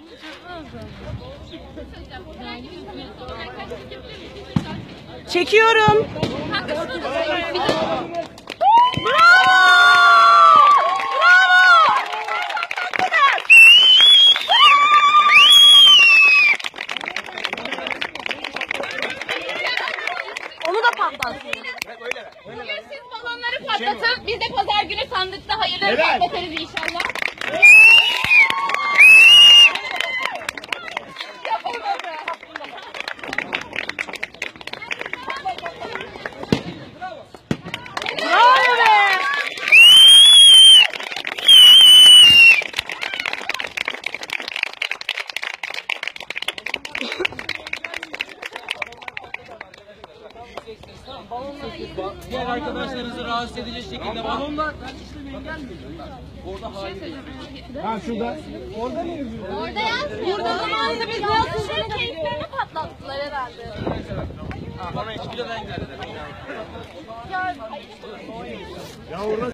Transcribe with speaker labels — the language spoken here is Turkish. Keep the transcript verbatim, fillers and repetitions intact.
Speaker 1: Çekiyorum. Onu da patlatsın.
Speaker 2: Bugün siz balonları patlatın. Biz de pazar günü sandıkta hayırları patlatırız inşallah.
Speaker 1: Bravo be!
Speaker 3: Diğer arkadaşlarınızı rahatsız edecek şekilde balonlar. Orada hayır.
Speaker 4: Ha şurada. Orada mı yazıyor?
Speaker 2: Orada yazmıyor. Burada zamanında biz yazmışlar. Keyiflerini patlattılar herhalde.
Speaker 3: Bana hiç bile ben geldim.
Speaker 4: Ya orada